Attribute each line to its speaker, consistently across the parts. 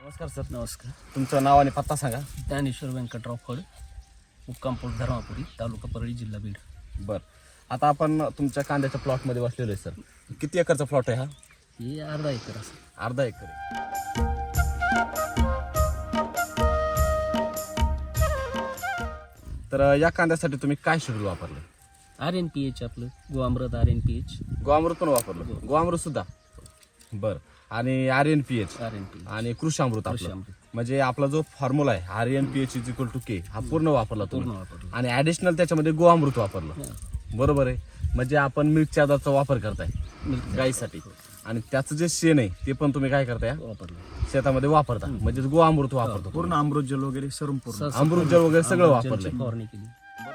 Speaker 1: नमस्कार सर.
Speaker 2: नमस्कार.
Speaker 1: तुमचं नाव आणि पत्ता सांगा.
Speaker 2: ज्ञानेश्वर व्यंकटराव फड, मुक्काम पोस्ट धर्मापुरी, तालुका परळी, जिल्हा बीड.
Speaker 1: बरं, आता आपण तुमच्या कांद्याच्या प्लॉटमध्ये बसलेलो आहे सर. किती एकरचा प्लॉट आहे हा?
Speaker 2: हे अर्धा एकर असं.
Speaker 1: अर्धा एकर आहे. तर या कांद्यासाठी तुम्ही काय शेड्यूल वापरलं?
Speaker 2: RNPH आपलं गोअमृत RNPH.
Speaker 1: गोअमृत पण वापरलं? गोअमृत सुद्धा. बरं, आणि RNPH आणि कृषामृत आपलं. म्हणजे आपला जो फॉर्म्युला आहे RNPH = K हा पूर्ण वापरला तुम्ही, आणि ऍडिशनल त्याच्यामध्ये गोअमृत वापरलं. बरोबर आहे. म्हणजे आपण मिल्क चार्जरचा वापर करताय गाईसाठी, आणि त्याचं जे शेण आहे ते पण तुम्ही काय करताय? शेतामध्ये वापरता. म्हणजे गोअमृत वापरतो.
Speaker 3: पूर्ण अमृत जल वगैरे सर्व पूर्ण
Speaker 1: अमृत जल वगैरे सगळं वापरलंय.
Speaker 2: फवारणी केली.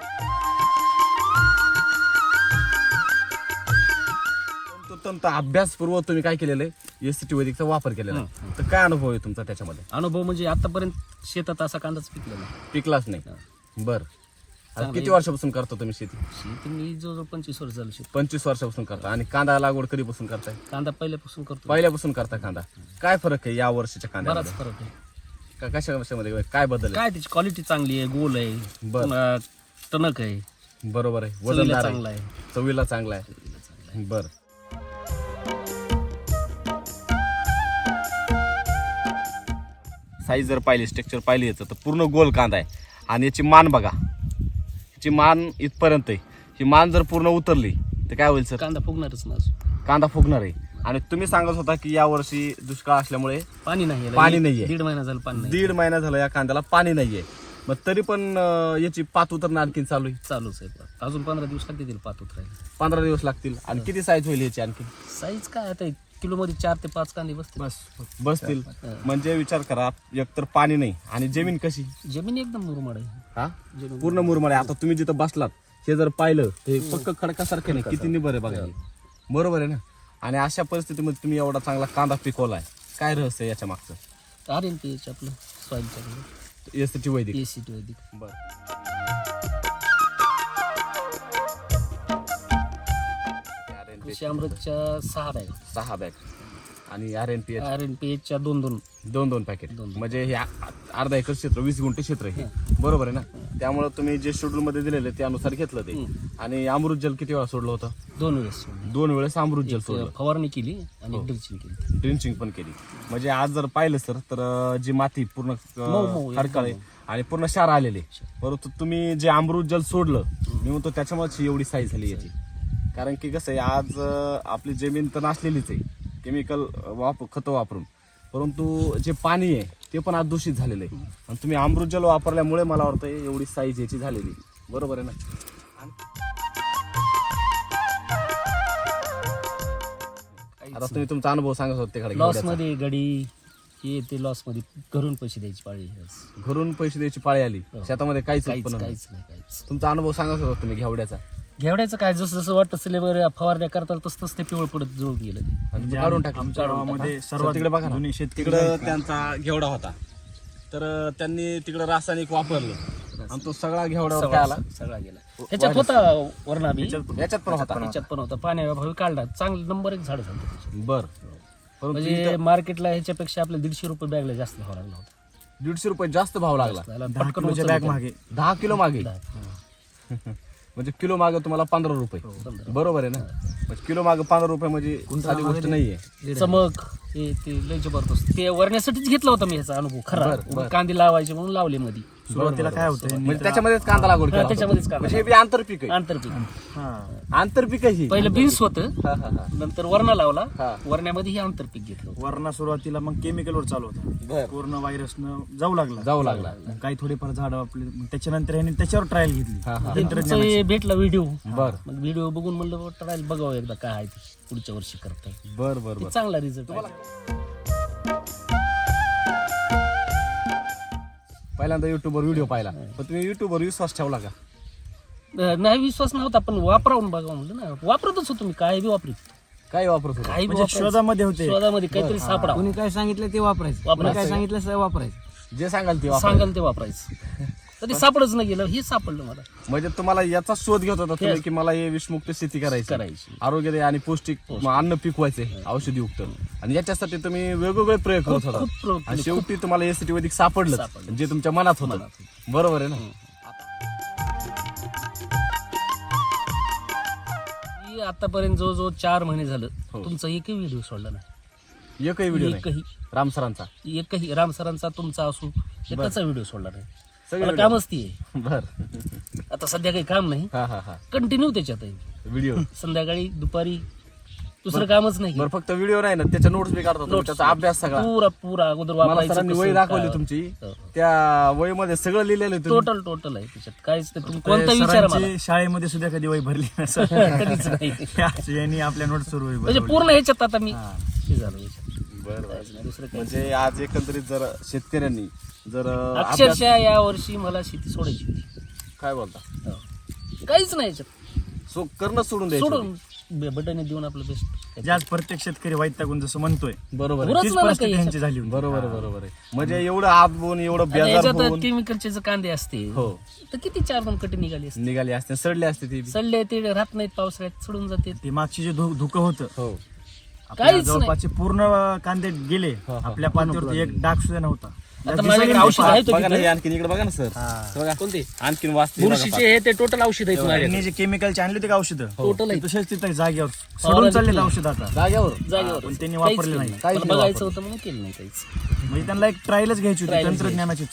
Speaker 1: तंत्र अभ्यासपूर्व तुम्ही काय केलेलं आहे? SCT वैदिकचा वापर केलेला आहे. तर काय अनुभव आहे तुमचा त्याच्यामध्ये?
Speaker 2: अनुभव म्हणजे आतापर्यंत शेतात असा कांदाच पिकला नाही.
Speaker 1: पिकलाच नाही. बर, किती वर्षापासून करता तुम्ही शेती?
Speaker 2: शेती मी जवळजवळ 25 वर्ष झालं शेती.
Speaker 1: 25 वर्षापासून करता. आणि कांदा लागवड कधीपासून करताय?
Speaker 2: कांदा पहिल्यापासून करतो.
Speaker 1: पहिल्यापासून करता कांदा. काय फरक आहे या वर्षीच्या
Speaker 2: बराच
Speaker 1: कांद्यामध्ये?
Speaker 2: फरक आहे.
Speaker 1: कशा कशामध्ये काय बदल आहे?
Speaker 2: काय त्याची क्वालिटी चांगली आहे, गोल आहे,
Speaker 1: बरं.
Speaker 2: पुन्हा टणक आहे,
Speaker 1: बरोबर आहे.
Speaker 2: चवीला
Speaker 1: वजनदार
Speaker 2: चांगला
Speaker 1: आहे,
Speaker 2: आहे.
Speaker 1: चवीला चांगला आहे. बर, साईज जर पाहिली, स्ट्रक्चर पाहिली याचं, तर पूर्ण गोल कांदा आहे. आणि याची मान बघा, याची मान इथपर्यंत आहे. ही मान जर पूर्ण उतरली तर काय होईल सर?
Speaker 2: कांदा फुगणारच ना अजून.
Speaker 1: कांदा फुगणार आहे. आणि तुम्ही सांगत होता की या वर्षी दुष्काळ असल्यामुळे
Speaker 2: पाणी नाही याला.
Speaker 1: पाणी नाहीये.
Speaker 2: 1.5 महिना झाला पाणी नाही.
Speaker 1: 1.5 महिना झाला या कांद्याला पाणी नाहीये. मग तरी पण याची पात उतरणं आणखी चालू आहे.
Speaker 2: चालूच आहे. अजून 15 दिवस लागतील पात उतरायला.
Speaker 1: 15 दिवस लागतील. आणि किती साईज होईल याची आणखी?
Speaker 2: साईज काय आता किलो मध्ये 4 ते 5 कांदे बसतील.
Speaker 1: बसतील. म्हणजे विचार करा, एकतर पाणी नाही आणि जमीन कशी?
Speaker 2: जमीन एकदम मुरमाड आहे.
Speaker 1: हा, पूर्ण मुरमाड आहे. आता तुम्ही जिथं बसलात हे जर पाहिलं ते पक्क खडकासारखं नाही, किती निबर आहे बघा. बरोबर आहे ना? आणि अशा परिस्थितीमध्ये तुम्ही एवढा चांगला कांदा पिकवलाय. काय रहस्य आहे याच्या मागचं?
Speaker 2: RNPH आपलं सॉइलच्या
Speaker 1: SCT वैदिक.
Speaker 2: SCT वैदिक. कृषी अमृतच्या 6 बॅग,
Speaker 1: 6 बॅग आणि RNPH
Speaker 2: RNPHच्या 2
Speaker 1: पॅकेट. म्हणजे हे अर्धा एकर क्षेत्र, 20 गुंठे क्षेत्र आहे. बरोबर आहे ना? त्यामुळे तुम्ही जे शेड्यूल मध्ये दिलेले त्यानुसार घेतलं ते. आणि अमृत जल किती वेळा सोडलं होतं?
Speaker 2: 2 वेळेस.
Speaker 1: 2 वेळेस अमृत जल सोडलं.
Speaker 2: फवारणी केली आणि ड्रिंचिंग केली.
Speaker 1: ड्रिंचिंग पण केली. म्हणजे आज जर पाहिलं सर तर जी माती पूर्ण खडकाळे आणि पूर्ण क्षार आलेले. परंतु तुम्ही जे अमृत जल सोडलं, मी म्हणतो त्याच्यामुळेच एवढी साईज झाली याची. कारण की कसं आहे, आज आपली जमीन तर नसलेलीच आहे केमिकल खतं वापरून, परंतु जे पाणी आहे ते पण आज दूषित झालेलं आहे. आणि तुम्ही अमृत जल वापरल्यामुळे मला वाटतं एवढी साईज याची झालेली. बरोबर आहे ना? आता तुम्ही तुमचा अनुभव सांगत होते.
Speaker 2: लॉस मध्ये गडी हे ते लॉस मध्ये घरून पैसे द्यायची पाळी.
Speaker 1: घरून पैसे द्यायची पाळी आली. शेतामध्ये काहीच
Speaker 2: काहीच
Speaker 1: उत्पन्न
Speaker 2: काहीच नाही. काहीच.
Speaker 1: तुमचा अनुभव सांगत होता तुम्ही घेवड्याचा.
Speaker 2: घेवड्याचं काय जसं जसं वाटतं सिलेबर फवारण्या करताल तसं तसं ते पिवळ पडत जुळून गेलं.
Speaker 1: आणि काढून टाकलं.
Speaker 3: आमच्या गावामध्ये सर्वात
Speaker 1: तिकडे बघा ना,
Speaker 3: जुने शेतकरी
Speaker 1: तिकडं त्यांचा घेवडा होता, तर त्यांनी तिकडं रासायनिक वापरलं आणि तो सगळा घेवड्यावर काय आला?
Speaker 2: सगळा गेला. ह्याच्यात होता वरणा बी,
Speaker 1: याच्यात पण होता.
Speaker 2: ह्याच्यात पण होता. पाण्याभावी काढला. चांगलं नंबर 1 झाड झालं.
Speaker 1: बर,
Speaker 2: म्हणजे मार्केटला ह्याच्यापेक्षा आपल्या 150 रुपये बॅगला जास्त भाव लागला होता.
Speaker 1: 150 रुपये जास्त भाव लागला.
Speaker 3: 10 किलोच्या बॅग मागे
Speaker 1: 10 किलो मागे. म्हणजे किलो मागे तुम्हाला 15 रुपये. बरोबर आहे ना? म्हणजे किलो मागे 15 रुपये म्हणजे साधी गोष्ट नाहीये.
Speaker 2: चमक हे ते लय जबरदस्त. ते वरण्यासाठीच घेतला होता मी ह्याचा अनुभव खरा. कांदे लावायचे म्हणून लावले मध्ये.
Speaker 3: सुरुवातीला काय होतं,
Speaker 1: म्हणजे त्याच्यामध्येच कांदा लागवड केला.
Speaker 2: त्याच्यामध्येच कांदा.
Speaker 1: म्हणजे हे बी आंतरपीक आहे.
Speaker 2: आंतरपीक.
Speaker 1: आंतरपीक आहे.
Speaker 2: पहिलं बीन्स होतं, नंतर वरणा लावला. वरण्यामध्ये हे आंतरपीक घेतलं.
Speaker 3: वरणा सुरुवातीला मग केमिकलवर चालू होता. पूर्ण व्हायरसनं जाऊ लागला.
Speaker 1: मग
Speaker 3: काही थोडेफार झाड आपले. मग त्याच्यानंतर ह्यांनी त्याच्यावर ट्रायल घेतली.
Speaker 2: तुमचं हे भेटला व्हिडिओ.
Speaker 1: बर,
Speaker 2: मग व्हिडिओ बघून म्हणलं ट्रायल बघावं एकदा काय आहे ते. पुढच्या वर्षी करताय.
Speaker 1: बर बर बर.
Speaker 2: चांगला रिझल्ट.
Speaker 1: पहिल्यांदा युट्यूबवर व्हिडिओ पाहिला, पण तुम्ही युट्यूबवर विश्वास ठेवला का?
Speaker 2: नाही, विश्वास नव्हता, पण वापरावून बघा म्हणलं ना. वापरतच होतो मी. काय बी वापरीत.
Speaker 1: काय वापरत होता?
Speaker 2: काही
Speaker 3: म्हणजे शोधामध्ये होते.
Speaker 2: शोधामध्ये काहीतरी सापडा.
Speaker 4: कोणी काय सांगितलं ते वापरायचं. कोणी काय सांगितलं ते वापरायचं.
Speaker 1: जे सांगाल ते
Speaker 2: सांगाल ते वापरायचं. तरी सापडच नाही गेलं, हे सापडलं मला.
Speaker 1: म्हणजे तुम्हाला याचा शोध घेत होता तुम्ही की मला हे विषमुक्त शेती करायची, आरोग्यदायी आणि पौष्टिक अन्न पिकवायचे औषधीयुक्त, आणि याच्यासाठी तुम्ही वेगवेगळे प्रयोग करत
Speaker 2: खूप
Speaker 1: होता
Speaker 2: प्रयोग
Speaker 1: आणि शेवटी तुम्हाला एसीटी वैदिक सापडलं जे तुमच्या मनात होतं. बरोबर आहे ना?
Speaker 2: मी आतापर्यंत जवळजवळ 4 महिने झालं तुमचा एकही व्हिडिओ सोडला नाही.
Speaker 1: एकही व्हिडिओ नाही
Speaker 2: एकही
Speaker 1: राम सरांचा?
Speaker 2: एकही राम सरांचा तुमचा असू एकाचा व्हिडिओ सोडला नाही.
Speaker 1: सगळे
Speaker 2: मला कामच ती आहे.
Speaker 1: बर.
Speaker 2: आता सध्या काही काम नाही,
Speaker 1: हा हा हा
Speaker 2: कंटिन्यू त्याच्यात आहे.
Speaker 1: व्हिडिओ
Speaker 2: संध्याकाळी दुपारी दुसरं कामच नाही.
Speaker 1: बरं, फक्त व्हिडिओ नाही ना, त्याच्या नोट्स बी काढतो तुम्ही, त्याचा अभ्यास सगळा.
Speaker 2: पुरा अगोदर
Speaker 1: मला
Speaker 2: वापरायचं
Speaker 1: सरांनी
Speaker 2: कसं,
Speaker 1: वही दाखवली
Speaker 2: काय.
Speaker 1: तुमची,
Speaker 2: हो.
Speaker 1: त्या वहीमध्ये सगळं लिहिलेलं आहे तुम्ही.
Speaker 2: टोटल आहे त्याच्यात. काहीच नाही, तुम्ही कोणता विचार मला
Speaker 3: सरांची शाळेमध्ये सुद्धा कधी वही भरली नसेल.
Speaker 2: कधीच नाही.
Speaker 3: यांनी आपल्या नोट्सवर वही
Speaker 2: म्हणजे
Speaker 3: भरली.
Speaker 2: पूर्ण ह्याच्यात आता मी हे झालो याच्यात.
Speaker 1: बरं
Speaker 2: काहीच नाही, दुसरं काही
Speaker 1: म्हणजे आज एकंदरीत जर शेतकऱ्यांनी जर
Speaker 2: नाही.
Speaker 1: अभ्यास,
Speaker 2: अक्षरशः या वर्षी मला शेती सोडायची होती.
Speaker 1: काय बोलता,
Speaker 2: हो. काहीच नाही याच्यात,
Speaker 1: करणं सोडून द्यायचं.
Speaker 2: सोडून बटन देऊन आपलं बेस्ट.
Speaker 3: जे आज प्रत्येक शेतकरी वैतागून जसं म्हणतोय
Speaker 1: बरोबर आहे.
Speaker 2: पुरंच
Speaker 3: तीच
Speaker 2: मला
Speaker 3: परिस्थिती
Speaker 2: काही
Speaker 3: यांची झाली होती.
Speaker 1: बरोबर आहे, बरोबर आहे. म्हणजे एवढं आत होऊन एवढं बेजार
Speaker 2: याच्यात
Speaker 1: होऊन
Speaker 2: केमिकलचे जर कांदे असते
Speaker 1: हो
Speaker 2: तर किती 4 कटी निघाली असते.
Speaker 1: निघाली असते, सडले असते ते बी.
Speaker 2: सडले ते राहत नाहीत, पावसाळ्यात सोडून जाते.
Speaker 3: ते मागची जे धुकं होतं
Speaker 1: हो
Speaker 3: आपल्या
Speaker 2: काहीच
Speaker 3: जवळपासचे पूर्ण कांदे गेले. आपल्या पातीवरती एक डाग सुद्धा नव्हता.
Speaker 2: आता माझ्याकडे औषध आहे
Speaker 1: बघा ना, हे आणखीन इकडे बघा ना सर, बघा
Speaker 2: कोणते
Speaker 1: आणखीन वाचते बघा.
Speaker 2: बुरशीचे हे ते टोटल औषध आहेत माझ्याकडे.
Speaker 3: त्यांनी जे केमिकलचे आणले होते का औषधं
Speaker 2: टोटल आहे
Speaker 3: तसेच तिथे जागेवर सोडून चालले औषध आता.
Speaker 1: जाग्यावर
Speaker 2: जागेवर
Speaker 3: पण त्यांनी
Speaker 2: काहीच
Speaker 3: वापरले
Speaker 2: केलं
Speaker 3: नाही.
Speaker 1: काहीच
Speaker 2: मला
Speaker 1: नाही
Speaker 2: बघायचं होतं म्हणून केलं नाही काहीच.
Speaker 3: म्हणजे त्यांना एक ट्रायलच घ्यायची होती
Speaker 2: Trial
Speaker 3: तंत्रज्ञानाचीच.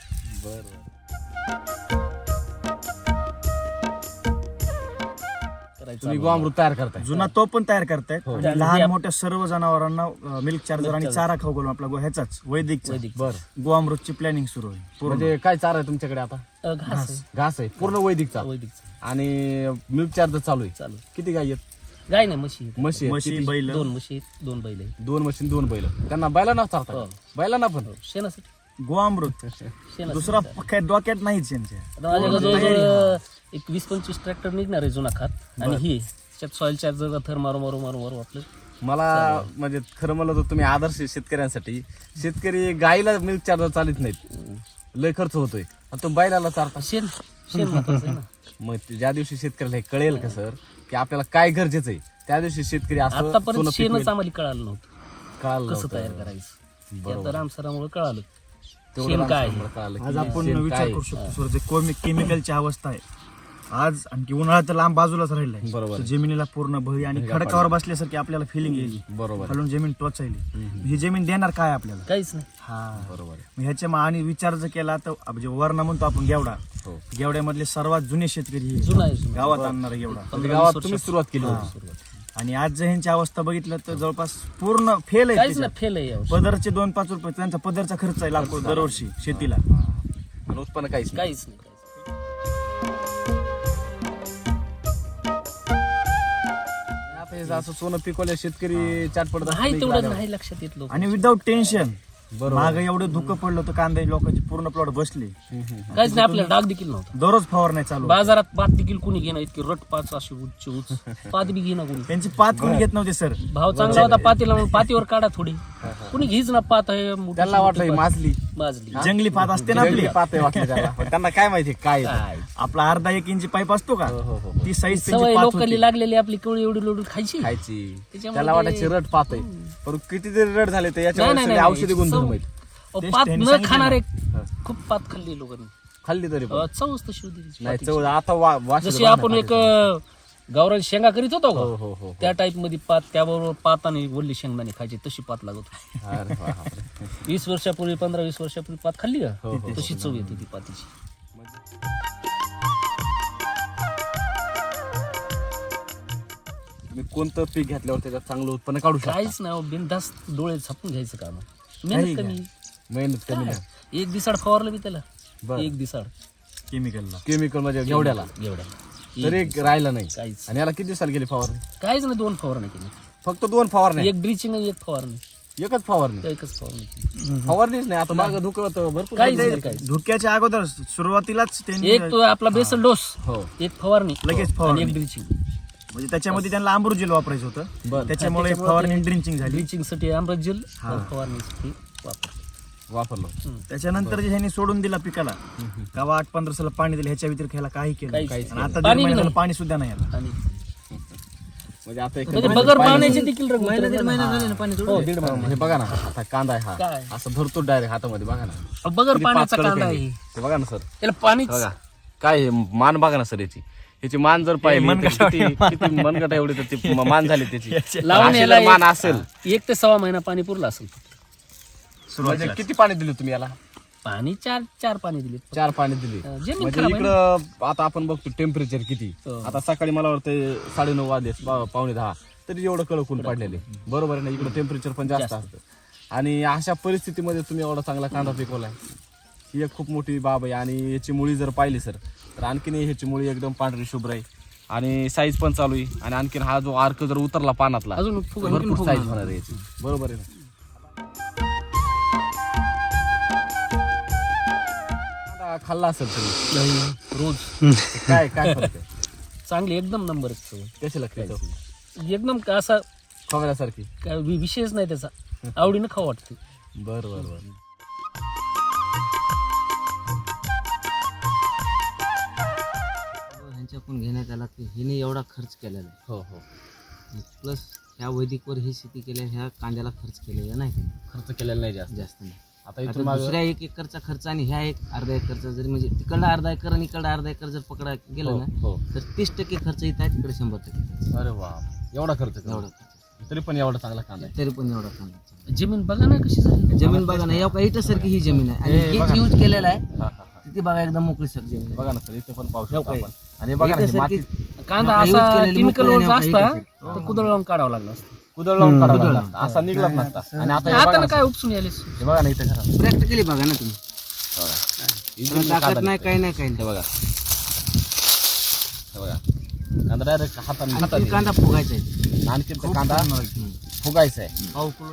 Speaker 2: करायचं
Speaker 1: तुम्ही गोअमृत तयार करताय.
Speaker 3: जुना तो पण तयार करतायत आणि लहान मोठ्या सर्व जनावरांना मिल्क चार्जर आणि चारा खाऊ घालून आपला ह्याचाच वैदिक
Speaker 1: बरं,
Speaker 3: गोअमृतची प्लॅनिंग सुरू आहे पूर्ण.
Speaker 1: म्हणजे काय चारा आहे तुमच्याकडे आता?
Speaker 2: घास आहे.
Speaker 1: घास आहे पूर्ण वैदिक चारा
Speaker 2: वैदिकचं.
Speaker 1: आणि मिल्क चार्जर चालू आहे.
Speaker 2: चालू.
Speaker 1: किती गाय आहेत?
Speaker 2: गाय नाही, म्हशी आहेत.
Speaker 1: म्हशी आहेत.
Speaker 3: म्हशी
Speaker 1: किती?
Speaker 3: बैल
Speaker 2: 2 म्हशी आहेत, 2 बैल आहेत.
Speaker 1: 2 म्हशी 2 बैल. त्यांना बैलांना चारता
Speaker 2: हो.
Speaker 1: बैलांना पण
Speaker 2: शेणासाठी
Speaker 3: गोअमृत
Speaker 2: शेणासाठी.
Speaker 3: दुसरा काय डोक्यात नाहीच यांच्या.
Speaker 2: आता माझ्याकडे जवळजवळ एक 20-25 ट्रॅक्टर निघणार आहे जुना खात, आणि ही त्याच्यात सॉइल चार्जर थर मारू आपलं.
Speaker 1: मला म्हणजे खरं म्हणलं तर तुम्ही आदर्श शेतकऱ्यांसाठी. शेतकरी गाईला मिल्क चार्जर चालत नाहीत, लय खर्च होतोय, आणि तो बैलाला चारता.
Speaker 2: शेण महत्वाचं आहे ना.
Speaker 1: मग ज्या दिवशी शेतकऱ्याला हे कळेल का सर की आपल्याला काय गरजेचं आहे, त्या दिवशी शेतकरी असं
Speaker 2: आतापर्यंत
Speaker 1: सोनं
Speaker 2: शेणच
Speaker 1: पिकवेल.
Speaker 2: आम्हाला कळालं नव्हतं
Speaker 1: कळालं
Speaker 2: कसं
Speaker 1: नव्हतं.
Speaker 2: तयार करायचं. आता रामसरामुळे कळालं
Speaker 1: तेवढं
Speaker 2: शेण काय
Speaker 1: रामसरामुळे कळालं की
Speaker 3: आज आपण
Speaker 1: शेण
Speaker 3: विचार
Speaker 1: काय
Speaker 3: करू शकतो सर, जे केमिकलची अवस्था आहे आज, आणखी उन्हाळा तर लांब बाजूला राहिलाय.
Speaker 1: बरोबर.
Speaker 3: तर जमिनीला पूर्ण भरी आणि खडकावर बसल्यासारखी आपल्याला फिलिंग येईल.
Speaker 1: बरोबर
Speaker 3: खालून जमीन टोचायली. ही जमीन देणार काय आपल्याला?
Speaker 2: काहीच नाही.
Speaker 3: हा
Speaker 1: बरोबर आहे.
Speaker 3: मग ह्याच्या आणि विचार जर केला तर म्हणजे वर्ण म्हणतो आपण गेवडा,
Speaker 1: हो.
Speaker 3: गेवड्यामधले सर्वात जुने शेतकरी हे.
Speaker 2: जुना आहे, जुना.
Speaker 3: गावात आणणार गेवडा.
Speaker 1: म्हणजे गावात तुम्ही सुरुवात केली होती.
Speaker 3: आणि आज जर ह्यांची अवस्था बघितलं तर जवळपास पूर्ण फेल आहे
Speaker 2: काहीच
Speaker 3: त्याच्यात.
Speaker 2: नाही, फेल आहे यावर्षी.
Speaker 3: पदरचे 2-5 रुपये त्यांचा पदरचा खर्च आहे लागतो दरवर्षी शेतीला.
Speaker 1: आणि उत्पन्न काहीच नाही.
Speaker 2: काहीच नाही.
Speaker 1: आता हे असं सोनं पिकवल्या शेतकरी चाट पडत असतो
Speaker 2: नाही
Speaker 1: इकडे
Speaker 2: तेवढं
Speaker 1: आल्यावर.
Speaker 2: नाही लक्षात येत लोक.
Speaker 3: आणि विदाऊट टेन्शन.
Speaker 1: बरोबर.
Speaker 3: माग एवढं धुकं पडलं होतं, कांदा लोकांची पूर्ण प्लॉट बसले.
Speaker 2: काहीच नाही, आपल्याला डाग देखील नव्हता.
Speaker 3: दररोज फवारण्या चालू.
Speaker 2: बाजारात पात देखील कुणी घेणं, इतकी रट पाच अशी उच्च पात बी घेणं कुणी.
Speaker 3: त्यांची पात कोणी घेत नव्हते सर.
Speaker 2: भाव चांगला होता पातीला म्हणून पातीवर काढा थोडी. कुणी घेच ना पात आहे मोठी-
Speaker 1: त्यांना वाटलं ही
Speaker 2: मोठी
Speaker 1: माजली
Speaker 2: पात. माजली.
Speaker 3: जंगली पात असते ना आपली.
Speaker 1: जंगली पातळी वाटली त्यांना. पण त्यांना काय माहिती काय आहे ते.
Speaker 2: काय
Speaker 3: आपला अर्धा 1 इंची पाईप असतो का,
Speaker 1: हो, हो.
Speaker 3: ती साईज
Speaker 2: सवय
Speaker 3: त्यांची पात
Speaker 2: लोकली
Speaker 3: होती.
Speaker 2: लागलेली आपली केवढी एवढी लोडून खायची.
Speaker 1: खायची
Speaker 2: त्याच्यामुळे
Speaker 1: त्याला वाटायची रट पात आहे, पण किती तरी रट झाले तर याच्यावर
Speaker 2: नाही,
Speaker 1: सगळे
Speaker 2: नाही,
Speaker 1: औषधी गुणधर्म आहेत.
Speaker 3: तेच
Speaker 2: पात
Speaker 3: त्यांनी
Speaker 2: न
Speaker 3: सांगितलं
Speaker 2: खाणारे
Speaker 1: हा.
Speaker 2: खूप पात खाल्ली लोकांनी.
Speaker 1: खाल्ली तरी पण.
Speaker 2: चवच तशी होती त्याची
Speaker 1: नाही
Speaker 2: पातीची.
Speaker 1: चव आता वाशी
Speaker 2: जशी आपण एक गावरान शेंगा करीत होतो
Speaker 1: हो
Speaker 2: का
Speaker 1: हो हो
Speaker 2: त्या टाईप मध्ये पात, त्याबरोबर पात आणि वल्ली शेंगदाणे खायची, तशी पात लागत होती.
Speaker 1: अरे बापरे.
Speaker 2: 20 वर्षापूर्वी 15-20 वर्षापूर्वी पात खाल्ली
Speaker 1: हो,
Speaker 2: का
Speaker 1: हो,
Speaker 2: तशी चव येते ती पातीची.
Speaker 1: तुम्ही कोणतं पीक घेतल्यावर त्याच्यात चांगलं उत्पन्न काढू शकता.
Speaker 2: काहीच नाही, बिनधास्त डोळे झापून घ्यायचं काम.
Speaker 3: काही
Speaker 2: मेहनत कमी.
Speaker 1: मेहनत कमी नाही.
Speaker 2: एक दिसाड फवारलं मी त्याला,
Speaker 1: बरं.
Speaker 2: एक दिसाड
Speaker 3: केमिकलला.
Speaker 1: केमिकल म्हणजे घेवड्याला
Speaker 2: एवढ्या
Speaker 1: तरी राहिलं नाही.
Speaker 2: काहीच
Speaker 1: आणि याला किती दिवसाला गेली फवारणी?
Speaker 2: काहीच नाही. 2 फवारणी केली,
Speaker 1: फक्त 2 फवारणी.
Speaker 2: एक ड्रिचिंग आणि एक फवारणी.
Speaker 1: एकच फवारणी.
Speaker 2: एकच फवारणी केली.
Speaker 1: फवारणीच नाही. आता मागं धुकं होतं भरपूर.
Speaker 2: काहीच नाही, काहीच.
Speaker 3: धुक्याच्या अगोदर सुरुवातीलाच त्यांनी
Speaker 2: एक तो आपला बेसल डोस,
Speaker 1: हो
Speaker 2: एक फवारणी,
Speaker 3: लगेच
Speaker 2: आणि
Speaker 3: फवारणी.
Speaker 2: एक ड्रिचिंग.
Speaker 3: म्हणजे त्याच्यामध्ये त्यांना अमृतजेल वापरायचं होतं,
Speaker 1: बरं.
Speaker 3: त्याच्यामुळे फवारणी ड्रिंचिंग झाली.
Speaker 2: ड्रिचिंग साठी अमृत जेल, फवारणीसाठी वापर.
Speaker 1: वापरलं.
Speaker 3: त्याच्यानंतर जे ह्यांनी सोडून दिला पिकाला गावा 8-15 पाणी दिलं, ह्याच्या व्यतिरिक्त ह्याला काही केलं
Speaker 2: काहीच
Speaker 3: नाही.
Speaker 2: नाही.
Speaker 3: आणि आता
Speaker 2: पाणी
Speaker 3: 1.5 महिन्याला
Speaker 2: नाही.
Speaker 3: पाणी सुद्धा नाही आलं.
Speaker 2: आणि
Speaker 1: म्हणजे आता
Speaker 2: म्हणजे बगर पाण्याचे देखील रंग
Speaker 3: महिना
Speaker 2: उतरले
Speaker 3: दीड महिना
Speaker 2: ना.
Speaker 3: झाले ना पाणी
Speaker 2: हो,
Speaker 3: सोडून.
Speaker 2: दीड महिना.
Speaker 1: हे बघा ना, आता कांदा आहे हा
Speaker 2: काय?
Speaker 1: असं धरतो डायरेक्ट हातामध्ये, बघा ना
Speaker 2: बगर
Speaker 1: किती
Speaker 2: पाण्याचा
Speaker 1: पातळ
Speaker 2: कांदा
Speaker 1: आहे.
Speaker 2: आहे
Speaker 1: हे बघा ना सर,
Speaker 2: त्याला पाणीच
Speaker 1: बघा काय हे मान बघा ना सर, याची मान जर पाहिली तर किती मनगट एवढी तर ती मान झाली त्याची.
Speaker 2: लावून
Speaker 1: अशी
Speaker 2: याला
Speaker 1: जर मान असेल
Speaker 2: 1 ते 1.25 महिना पाणी पुरलं असेल.
Speaker 1: म्हणजे किती पाणी दिले तुम्ही याला?
Speaker 2: पाणी चार पाणी दिले.
Speaker 1: 4 पाणी दिली.
Speaker 2: जमीन
Speaker 1: म्हणजे
Speaker 2: खराब आहे ना.
Speaker 1: इकडं आता आपण बघतो टेम्परेचर किती,
Speaker 2: हो.
Speaker 1: आता सकाळी मला वाटतं 9:30 वाजले, 9:45 तरी एवढं कडक ऊन पडलेले, बरोबर आहे ना. इकडं टेम्परेचर पण जास्त असतं आणि अशा परिस्थितीमध्ये तुम्ही एवढा चांगला कांदा पिकवलाय, ही एक खूप मोठी बाब आहे. आणि याची मुळी जर पाहिली सर तर आणखीन ह्याची मुळी एकदम पांढरी शुभ्र आहे आणि साईज पण चालू आहे. आणि आणखीन हा जो आर्क जर उतरला पानातला
Speaker 2: अजून
Speaker 1: भरपूर साईज होणार आहे याची, बरोबर आहे ना. कांदा खाल्ला असेल तुम्ही
Speaker 2: रोज
Speaker 1: काय काय फरक आहे?
Speaker 2: चांगली एकदम नंबर
Speaker 1: कशी लागते?
Speaker 2: एकदम असा
Speaker 1: खोबऱ्यासारखी?
Speaker 2: काय विषयच नाही त्याचा, आवडीनं खाऊ वाटते.
Speaker 1: बर बर बर.
Speaker 4: ह्यांच्याकडून घेण्यात आला की हिने एवढा खर्च केलेला आहे.
Speaker 1: हो हो,
Speaker 4: प्लस ह्या वैदिकवर ही शेती केल्या, ह्या कांद्याला खर्च केलेला नाही त्यांनी.
Speaker 1: खर्च केलेला नाही जास्त.
Speaker 4: जास्त नाही.
Speaker 1: आता
Speaker 4: आता
Speaker 1: इथून मागं
Speaker 4: दुसऱ्या 1 एकरचा खर्च आणि ह्या अर्धा एकरचा जरी म्हणजे तिकडला अर्धा एकर आणि इकडला अर्धा एकर जर पकडा गेलं ना
Speaker 1: हो.
Speaker 4: तर 30% खर्च इथं आहे, तिकडे 100% खर्च.
Speaker 1: अरे वा, एवढा खर्च केला.
Speaker 4: एवढा खर्च.
Speaker 1: तरी पण एवढा चांगला कांदा आहे.
Speaker 4: तरी पण एवढा कांदा.
Speaker 2: जमीन बघा ना कशी झाली.
Speaker 4: जमीन बघा ना, या इटासारखी ही जमीन आहे आणि
Speaker 1: हे बघा.
Speaker 4: हेच यूज केलेला आहे.
Speaker 1: हा, हा, हा.
Speaker 4: तिथे बघा एकदम मोकळी सर जमीन आहे.
Speaker 1: बघा ना सर, इथे पण पाहू शकतो
Speaker 4: काय?
Speaker 1: आपण. आणि बघा ना, हे
Speaker 4: इटासारखी
Speaker 1: माती
Speaker 2: कांदा
Speaker 4: आपण use
Speaker 2: असा
Speaker 4: केलेली
Speaker 2: केमिकल
Speaker 4: मोकळी
Speaker 2: वर
Speaker 4: नाही,
Speaker 2: असता
Speaker 4: काही
Speaker 2: तर कुदळ लावून काढावं लागलं असतं.
Speaker 1: कुदळ लावून काढावा लागला. असा निघलाच नसता. आणि आता हे बघा
Speaker 2: आता
Speaker 1: ना,
Speaker 2: काय उपसून यायले.
Speaker 1: हे बघा ना इथे घरा.
Speaker 4: प्रॅक्टिकली बघा ना तुम्ही.
Speaker 1: इथे
Speaker 4: ताकद
Speaker 1: कांदा
Speaker 4: नाही,
Speaker 1: निघतोय.
Speaker 4: काही नाही, काही
Speaker 1: हे
Speaker 4: नाही.
Speaker 1: बघा, हे बघा, कांदा डायरेक्ट हाताने
Speaker 4: आणि
Speaker 1: हाताने.
Speaker 4: कांदा फुगायचा आहे.
Speaker 1: आणखीन ते कांदा फुगायचा आहे.
Speaker 4: पाव किलो.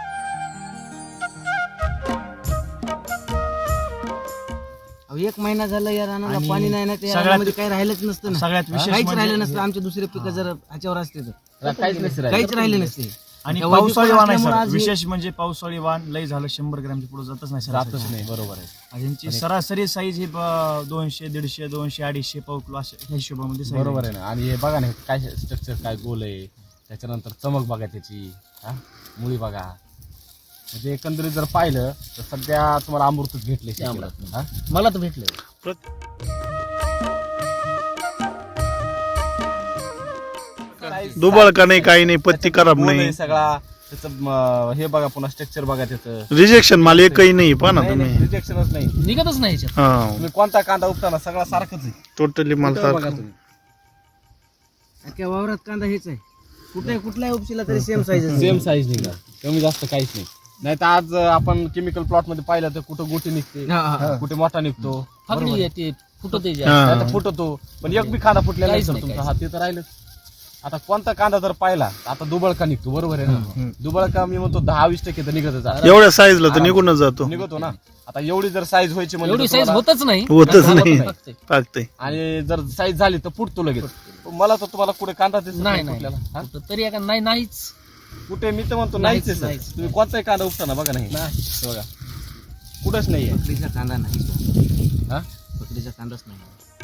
Speaker 4: अहो, 1 महिना झाला या रानाला
Speaker 3: आणि
Speaker 4: पाणी नाही ना, त्या
Speaker 3: सगळ्यात-
Speaker 4: रानामध्ये काही राहिलंच नसतं ना.
Speaker 3: सगळ्यात विशेष
Speaker 4: काहीच
Speaker 3: म्हणजे
Speaker 4: राहिलं नसतं. आमचे दुसरे पिकं जर ह्याच्यावर असते तर
Speaker 1: काहीच नसतं राहिलं.
Speaker 4: काहीच राहिले नसते.
Speaker 3: आणि
Speaker 4: त्या
Speaker 3: पावसाळी
Speaker 4: वैदिक
Speaker 3: वाण आहे
Speaker 4: असल्यामुळे
Speaker 3: सर,
Speaker 4: आज हे-
Speaker 3: विशेष म्हणजे पावसाळी वाण लय झालं 100 ग्रॅमच्या पुढे जातच नाही
Speaker 1: जातच
Speaker 3: सर.
Speaker 1: नाही, बरोबर आहे.
Speaker 3: ह्यांची सरासरी साईज ही 200, 150, 200, 250 पाव किलो अशा ह्या हिशोबामध्ये size
Speaker 1: बरोबर आहे ना. आणि हे बघा ना, हे काय स्ट्रक्चर काय गोल आहे, त्याच्यानंतर चमक बघा त्याची, हा मुळी बघा. म्हणजे एकंदरीत जर पाहिलं तर सध्या तुम्हाला अमृतच भेटले शेतीला.
Speaker 2: अमृत.
Speaker 1: हा?
Speaker 2: मला तर भेटलं.
Speaker 5: दुबळ का नाही, काही नाही, पत्ती खराब
Speaker 1: गोल आहे
Speaker 5: नाही,
Speaker 1: सगळा त्याचं हे बघा, पुन्हा स्ट्रक्चर बघा त्याचं.
Speaker 5: रिजेक्शन माल एकही नाही पहा ना तुम्ही.
Speaker 1: रिजेक्शनच नाही.
Speaker 2: निघतच नाही याच्यात.
Speaker 5: हा,
Speaker 1: तुम्ही कोणता कांदा उपताना सगळा सारखंच आहे.
Speaker 5: टोटली माल
Speaker 1: इथं बघा
Speaker 5: सारखं.
Speaker 1: तुम्ही.
Speaker 4: अख्ख्या वावरात कांदा हेच आहे. कुठलाही उपशीला तरी सेम साईज
Speaker 1: सेम साईज निघणार, कमी जास्त काहीच नाही. नाही तर आज आपण केमिकल प्लॉट मध्ये पाहिलं तर कुठं गोटी निघते, कुठे मोठा निघतो,
Speaker 2: फाकडी ते फुटत आहे
Speaker 5: हा.
Speaker 1: नाहीतर फुटतो. पण एक बी कांदा फुटलेला नाही
Speaker 2: काहीच
Speaker 1: सर
Speaker 2: नाही,
Speaker 1: तुमचा.
Speaker 2: काहीच
Speaker 1: हा ते तर राहिलंच. आता कोणता कांदा जर पाहिला, आता दुबळ का निघतो, बरोबर आहे ना. दुबळ का मी म्हणतो 10-20% तर निघतच आहे.
Speaker 5: एवढ्या साईजला तर निघूनच जातो.
Speaker 1: निघतो ना. आता एवढी जर साईज व्हायची म्हणजे
Speaker 2: एवढी
Speaker 1: तर
Speaker 2: साईज
Speaker 1: तुम्हाला-
Speaker 2: होतच नाही.
Speaker 5: होतच
Speaker 2: झालं
Speaker 5: नाही.
Speaker 2: तर टाकते.
Speaker 5: टाकते.
Speaker 1: आणि जर साईज झाली तर फुटतो लगेच. मला तर तुम्हाला कुठे कांदा दिसत
Speaker 2: नाही
Speaker 1: नाही
Speaker 2: नाही
Speaker 1: फुटलेला. हा?
Speaker 2: कुठं तरी एका नाहीच.
Speaker 1: कुठे मी तर म्हणतो
Speaker 2: नाहीच,
Speaker 1: नाहीच आहे
Speaker 2: नाहीच.
Speaker 1: सर. तुम्ही कोणताही कांदा उपताना बघा नाही,
Speaker 2: नाही.
Speaker 1: हे बघा कुठंच नाहीये.
Speaker 4: पकडीचा कांदा नाही.
Speaker 1: हा?
Speaker 4: पकडीचा कांदाच नाही.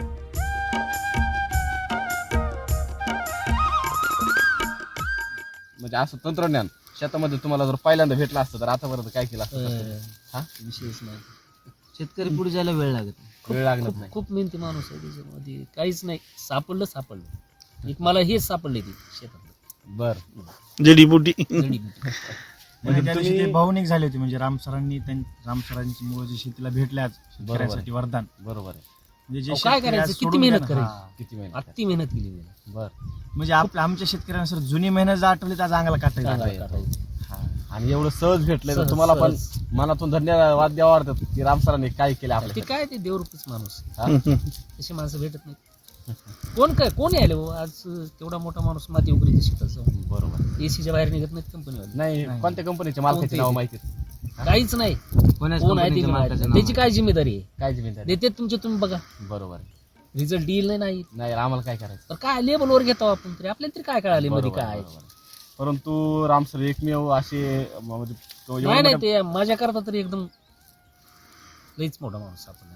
Speaker 1: म्हणजे असं तंत्रज्ञान शेतामध्ये तुम्हाला जर पहिल्यांदा भेटलं असतं तर आतापर्यंत काय केलं असतं? हा?
Speaker 2: विशेष नाही.
Speaker 4: शेतकरी पुढे जायला वेळ लागत नाही.
Speaker 1: वेळ लागणार
Speaker 2: खूप
Speaker 1: नाही.
Speaker 2: खूप मेहनती माणूस आहे त्याच्यामध्ये. काहीच नाही सापडलं. एक मला हेच सापडले ते शेतात
Speaker 1: बर.
Speaker 5: जडीबुटी.
Speaker 2: जडीबुटी.
Speaker 3: म्हणजे त्या दिवशी
Speaker 1: तुम्ही-
Speaker 3: ते भावनिक झाले होते. म्हणजे राम सरांची मुळे जी शेतीला भेटले आज शेतकऱ्यांसाठी वरदान.
Speaker 1: बरोबर आहे.
Speaker 3: म्हणजे जे
Speaker 2: अहो, काय
Speaker 3: शेतकरी आज
Speaker 2: करायचं? किती
Speaker 3: सोडून
Speaker 2: मेहनत
Speaker 3: गेला ना,
Speaker 2: करायची?
Speaker 1: किती महिने
Speaker 2: अति मेहनत केली मी.
Speaker 1: बर.
Speaker 3: म्हणजे आमच्या शेतकऱ्यांना सर जुनी मेहनत जर आठवली तर आज अंगाला काटायचं.
Speaker 1: हा. आणि एवढं सहज भेटलंय तर
Speaker 2: सहज,
Speaker 1: तुम्हाला पण
Speaker 2: सहज.
Speaker 1: मनातून धन्यवाद द्यावा वाटतं की राम सरांनी काय केलं
Speaker 2: ते
Speaker 1: आपल्या.
Speaker 2: काय ते देवरूपीच माणूस.
Speaker 1: हा?
Speaker 2: तशी माणसं भेटत नाही. कोण यायले हो आज तेवढा मोठा माणूस माती उकरीच्या शेतात जाऊन
Speaker 1: बरोबर.
Speaker 2: एसीच्या बाहेर निघत नाहीत कंपनीवाले.
Speaker 1: नाही, कोणत्या कंपनीच्या मालकाची
Speaker 2: कोणती?
Speaker 1: नाव माहिती
Speaker 2: काहीच नाही.
Speaker 4: कोणाच
Speaker 2: कोण आहे ते
Speaker 4: कंपनीच्या
Speaker 2: बी
Speaker 4: मालकाचं
Speaker 2: माहिती.
Speaker 4: नाव
Speaker 2: त्याची काय जिम्मेदारी आहे?
Speaker 1: काय जिम्मेदारी?
Speaker 2: देते तुमचे तुम्ही बघा.
Speaker 1: बरोबर आहे.
Speaker 2: रिझल्ट येईल नाही
Speaker 1: नाही आम्हाला काय करायचं.
Speaker 2: तर काय लेबलवर घेतो आपण तरी आपल्याला तरी काय कळाले मध्ये
Speaker 1: बरोबर,
Speaker 2: काय.
Speaker 1: बरोबर. परंतु राम सर एकमेव असे म्हणजे तो एवढं
Speaker 2: नाही
Speaker 1: मोठं-
Speaker 2: ते माझ्या करता तरी एकदम लईच मोठा माणूस आपण.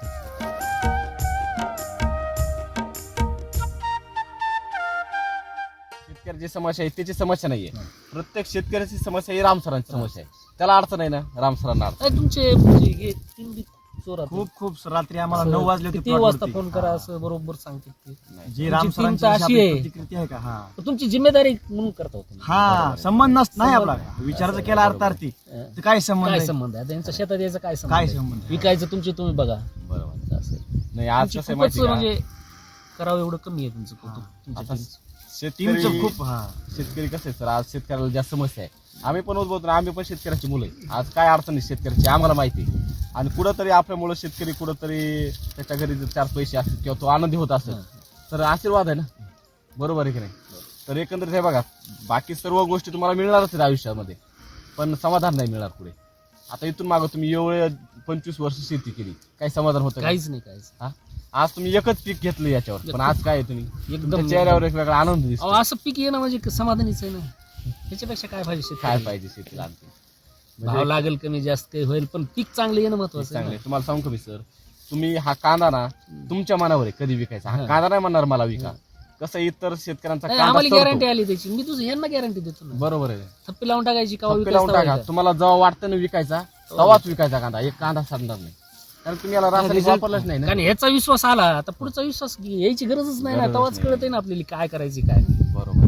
Speaker 1: शेतकऱ्याची समस्या आहे त्याची समस्या नाहीये. प्रत्येक शेतकऱ्याची समस्या ही रामसरांची समस्या आहे. त्याला अडचण आहे ना, रामसरांना अडचण.
Speaker 2: काय तुमचे म्हणजे हे तीन बी चोरात
Speaker 3: खूप रात्री आम्हाला 9 वाजले होते
Speaker 2: किती
Speaker 3: plot
Speaker 2: वाजता
Speaker 3: वरती.
Speaker 2: फोन करा असं बरोबर सांगते ते.
Speaker 3: जी
Speaker 2: तुमची
Speaker 3: रामसरांची
Speaker 2: टीम तर अशी आहे.
Speaker 3: प्रतिकृती आहे का
Speaker 2: तर तुमची जिम्मेदारी म्हणून करता होतो.
Speaker 3: हा संबंध नाही आपला विचाराचा केला अर्थार्थी तर काय संबंध
Speaker 2: काय
Speaker 3: आहे?
Speaker 2: संबंध आहे त्यांच्या शेतात यायचं काय
Speaker 3: काय
Speaker 2: संबंध आहे?
Speaker 3: संबंध?
Speaker 2: विकायचं तुमची तुम्ही बघा.
Speaker 1: बरोबर.
Speaker 2: असं आहे.
Speaker 1: नाही आज
Speaker 2: तुमची
Speaker 1: कसं आहे
Speaker 2: खूपच
Speaker 1: माहिती का,
Speaker 2: म्हणजे करावं एवढं कमी आहे तुमचं कौतुक. तुमच्या
Speaker 1: आता
Speaker 2: टीमचं.
Speaker 1: शेतकरी
Speaker 3: टीमचं खूप
Speaker 1: शेतकरी कसं आहे सर, आज शेतकऱ्याला ज्या समस्या आहे. आम्ही पण उद्भवतो ना, आम्ही पण शेतकऱ्याची मुलं आहे. आज काय अडचण आहे शेतकऱ्याची आम्हाला माहिती आहे. आणि कुठंतरी आपल्यामुळे शेतकरी कुठंतरी त्याच्या घरी जर 4 पैसे असतील किंवा तो आनंदी होत असेल तर आशीर्वाद आहे ना, बरोबर आहे की नाही. तर एकंदरीत हे बघा, बाकी सर्व गोष्टी तुम्हाला मिळणारच आहेत आयुष्यामध्ये, पण समाधान नाही मिळणार पुढे. आता इथून मागं तुम्ही एवढे 25 वर्ष शेती केली, काही समाधान होतं का?
Speaker 2: काहीच नाही काहीच.
Speaker 1: हा? आज तुम्ही एकच पीक घेतलं याच्यावर, पण आज काय आहे तुम्ही
Speaker 2: एकदम
Speaker 1: तुमच्या चेहऱ्यावर एक वेगळा आनंद दिसतो.
Speaker 2: अहो, असं पीक येणं म्हणजे समाधानीच आहे ना. ह्याच्यापेक्षा काय पाहिजे
Speaker 1: काय
Speaker 2: शेतकऱ्याला?
Speaker 1: पाहिजे शेतीला आणखी
Speaker 2: भाव लागेल कमी जास्त काही होईल पण पीक चांगलं येणं महत्वाचं आहे
Speaker 1: चांगले.
Speaker 2: ना.
Speaker 1: तुम्हाला सांगतो मी सर, तुम्ही हा कांदा ना तुमच्या मनावर आहे कधी विकायचा. हा कांदा नाही म्हणणार मला विका. कसं इतर शेतकऱ्यांचा
Speaker 2: नाही,
Speaker 1: कांदा
Speaker 2: आम्हाला
Speaker 1: सरतो.
Speaker 2: गॅरंटी आली त्याची. मी तुझं यांना गॅरंटी देतो ना.
Speaker 1: बरोबर आहे.
Speaker 2: थप्पी लावून टाकायची का
Speaker 1: थप्पी लावून टाका. तुम्हाला जेव्हा वाटतं ना विकायचा तेव्हाच विकायचा कांदा. एक कांदा सांगणार नाही, कारण तुम्ही याला रासायनिक वापरलंच नाही ना.
Speaker 2: कारण ह्याचा विश्वास आला आता पुढचा विश्वास यायची गरजच नाही ना.
Speaker 1: गरजच
Speaker 2: तेव्हाच
Speaker 1: नाही.
Speaker 2: कळत आहे ना आपल्याला काय करायची काय नाही.
Speaker 1: बरोबर.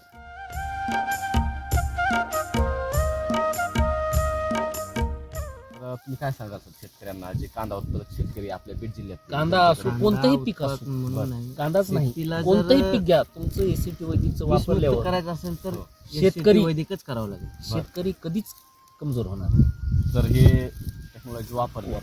Speaker 1: तर तुम्ही काय सांगाल सर शेतकऱ्यांना, जे कांदा उत्पादक शेतकरी आपल्या बीड जिल्ह्यात
Speaker 2: कांदा असो कोणतंही पीक असो,
Speaker 4: म्हणून नाही.
Speaker 2: कांदाच नाही
Speaker 4: शेतीला जर
Speaker 2: कोणतंही पीक घ्या तुमचं एसीटी वैदिकचं
Speaker 4: विषमुक्त
Speaker 2: वापरल्यावर
Speaker 4: करायचं असेल तर
Speaker 2: शेतकरी-
Speaker 4: SCT वैदिकच करावं लागेल.
Speaker 2: शेतकरी कधीच कमजोर होणार नाही.
Speaker 1: जर हे टेक्नॉलॉजी वापरली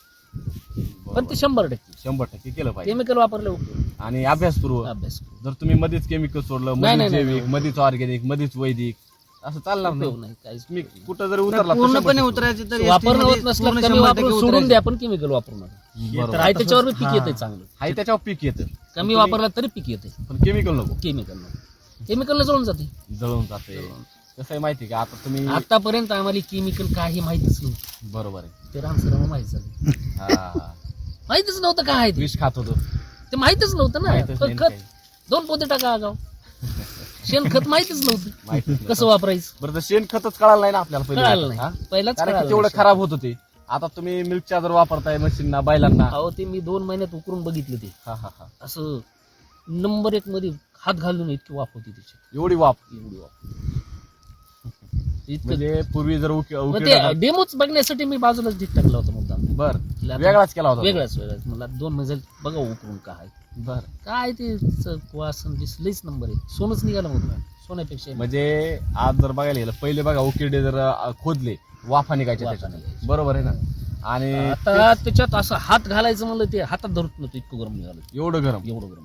Speaker 2: पण ते 100%
Speaker 1: 100% केलं पाहिजे.
Speaker 2: केमिकल वापरले उपयोग
Speaker 1: आणि अभ्यासपूर्वक
Speaker 2: अभ्यास करू.
Speaker 1: जर तुम्ही मध्येच केमिकल सोडलं,
Speaker 2: नाही,
Speaker 1: मध्येच
Speaker 2: नाही,
Speaker 1: जैविक, मध्येच ऑर्गॅनिक, मध्येच वैदिक, असं चालणार
Speaker 2: उपयोग
Speaker 1: नाही.
Speaker 2: नाही काहीच.
Speaker 1: तुम्ही कुठं जरी उतरला तर
Speaker 4: पूर्णपणे
Speaker 1: 100%
Speaker 4: उतरायचं तर
Speaker 2: वापरणं
Speaker 4: ST
Speaker 2: होत
Speaker 4: मध्ये
Speaker 2: नसलं
Speaker 4: पूर्ण
Speaker 2: कमी
Speaker 4: 100%
Speaker 2: वापरून सोडून
Speaker 4: उतरायचं.
Speaker 2: द्या पण केमिकल वापरू नका.
Speaker 1: बरोबर.
Speaker 2: आहे त्याच्यावर बी पीक येते चांगलं.
Speaker 1: हाही त्याच्यावर पीक येतं,
Speaker 2: कमी वापरला तरी पीक येते.
Speaker 1: पण केमिकल नको,
Speaker 2: केमिकलला जळून जाते.
Speaker 1: जळून जाते. कसं आहे माहिती का, आता तुम्ही
Speaker 2: आतापर्यंत आम्हाला केमिकल काही माहितीच नव्हतं.
Speaker 1: बरोबर आहे.
Speaker 2: ते रामसराव माहित झालं.
Speaker 1: हा,
Speaker 2: माहितच नव्हतं काय आहे ते.
Speaker 1: विष खात होतो.
Speaker 2: ते माहितच नव्हतं ना.
Speaker 1: माहितच
Speaker 2: पण
Speaker 1: नाही
Speaker 2: खत
Speaker 1: काही.
Speaker 2: 2 पोते टाका आगाव. शेणखत माहितच नव्हतं
Speaker 1: माहितच नाही.
Speaker 2: कसं वापरायचं.
Speaker 1: बरं, तर शेणखतच कळालं नाही ना आपल्याला
Speaker 2: कळालं
Speaker 1: पहिले. हा?
Speaker 2: नाही पहिलाच
Speaker 1: कारण की
Speaker 2: कळालं
Speaker 1: तेवढं
Speaker 2: नाही.
Speaker 1: खराब होत होते. आता तुम्ही मिल्क चार्जर वापरताय मशीनना, बैलांना.
Speaker 2: अहो ते मी 2 महिन्यात उकरून बघितलं ते.
Speaker 1: हा हा हा.
Speaker 2: असं नंबर 1 मध्ये हात घालून इतकी वाफ होती त्याची.
Speaker 1: एवढी वाप.
Speaker 2: एवढी वाफ. इतकं
Speaker 1: म्हणजे पूर्वी जर
Speaker 2: मग ते डेमोच बघण्यासाठी मी बाजूलाच ढीक टाकला होता मुद्दाम.
Speaker 1: बर
Speaker 2: आता
Speaker 1: वेगळाच केला होता.
Speaker 2: वेगळाच मला 2 महिने बघा उकरून काय
Speaker 1: बर.
Speaker 2: काय ते वासन दिसलंच नंबर 1. सोनच निघालं मग सोन्यापेक्षा.
Speaker 1: म्हणजे आज जर बघायला गेलं, पहिले बघा उकिरडे जर खोदले वाफा निघायच्या
Speaker 2: वाफा
Speaker 1: त्याच्यात.
Speaker 2: निघायच्या.
Speaker 1: बरोबर आहे ना. आणि
Speaker 2: आता त्याच्यात असं हात घालायचं म्हणलं ते हातात धरत नव्हतं, इतकं गरम निघालं.
Speaker 1: एवढं गरम.
Speaker 2: एवढं गरम